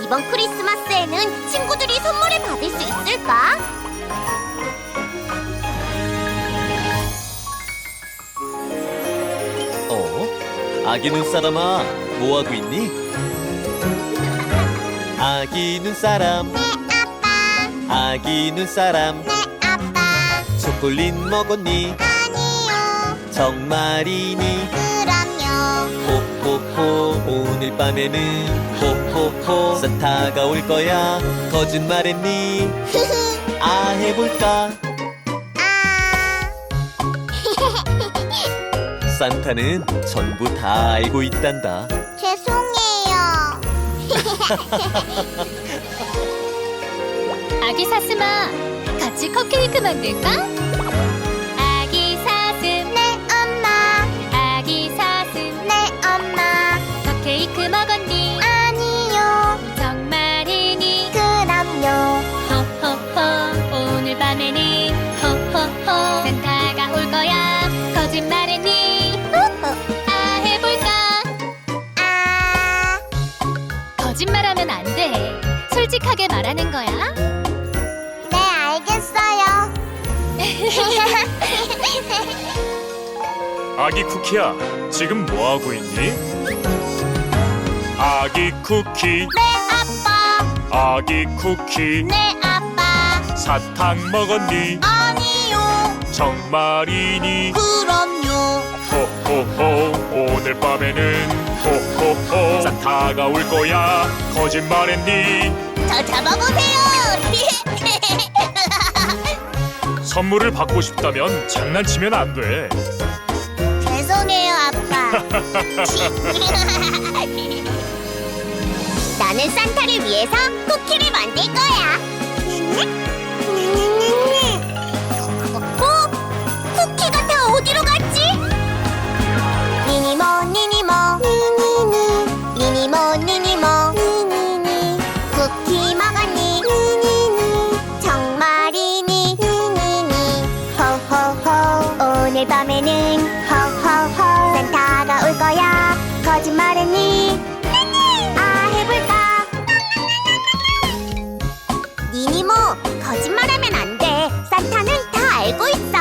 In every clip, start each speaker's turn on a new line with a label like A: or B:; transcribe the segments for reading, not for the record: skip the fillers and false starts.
A: 이번 크리스마스에는 친구들이 선물을 받을 수 있을까?
B: 아기 눈사람아, 뭐하고 있니? 아기 눈사람,
A: 네, 아빠.
B: 아기 눈사람,
A: 네, 아빠.
B: 초콜릿 먹었니?
A: 아니요.
B: 정말이니?
A: 그럼요.
B: 호호호, 오늘 밤에는 호호호 산타가 올 거야. 거짓말했니? 아, 해볼까?
A: 아.
B: 산타는 전부 다 알고 있단다.
A: 죄송해요.
C: 아기 사슴아, 같이 컵케이크 만들까? 아기 사슴,
A: 네, 엄마.
C: 아기 사슴,
A: 네, 엄마.
C: 컵케이크 먹었니?
A: 아니요.
C: 정말이니?
A: 그럼요.
C: 호호호, 오늘 밤에는 호호호 산타가 올 거야. 거짓말했니? 아, 해볼까?
A: 아.
C: 거짓말하면 안 돼. 솔직하게 말하는 거야.
A: 네, 알겠어요.
D: 아기 쿠키야, 지금 뭐 하고 있니? 아기 쿠키,
A: 네, 아빠.
D: 아기 쿠키,
A: 네, 아빠.
D: 사탕 먹었니?
A: 아니요.
D: 정말이니?
A: 그럼요.
D: 호호호, 오늘 밤에는 호호호 산타가 올 거야. 거짓말했니?
A: 저 잡아보세요.
D: 선물을 받고 싶다면 장난치면 안 돼.
A: 죄송해요, 아빠. 나는 산타를 위해서 쿠키를 만들 거야. 쿠키가 다 어디로 갔지? 니니모 니니모 니니니 니니모 니니모 니니니 쿠키 먹었니? 니니니 정말이니? 니니니 호호호 오늘 밤에는 호호호 산타가 올 거야. 거짓말했니? 아, 해볼까? 니니모, 거짓말하면 안 돼. 산타는 다 알고 있어.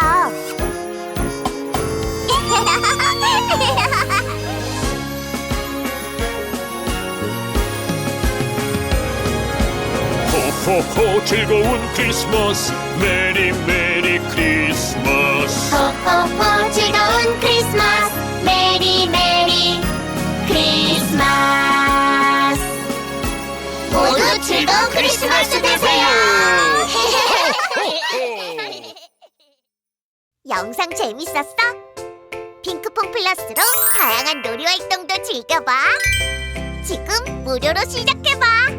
D: 호호호, 즐거운 크리스마스. 메리 메리 크리스마스.
A: 호호호, 즐거운 크리스마스. 메리 메리 크리스마스. 모두 즐거운 크리스마스 되세요. 영상 재밌었어? 핑크퐁 플러스로 다양한 놀이 활동도 즐겨봐. 지금 무료로 시작해봐.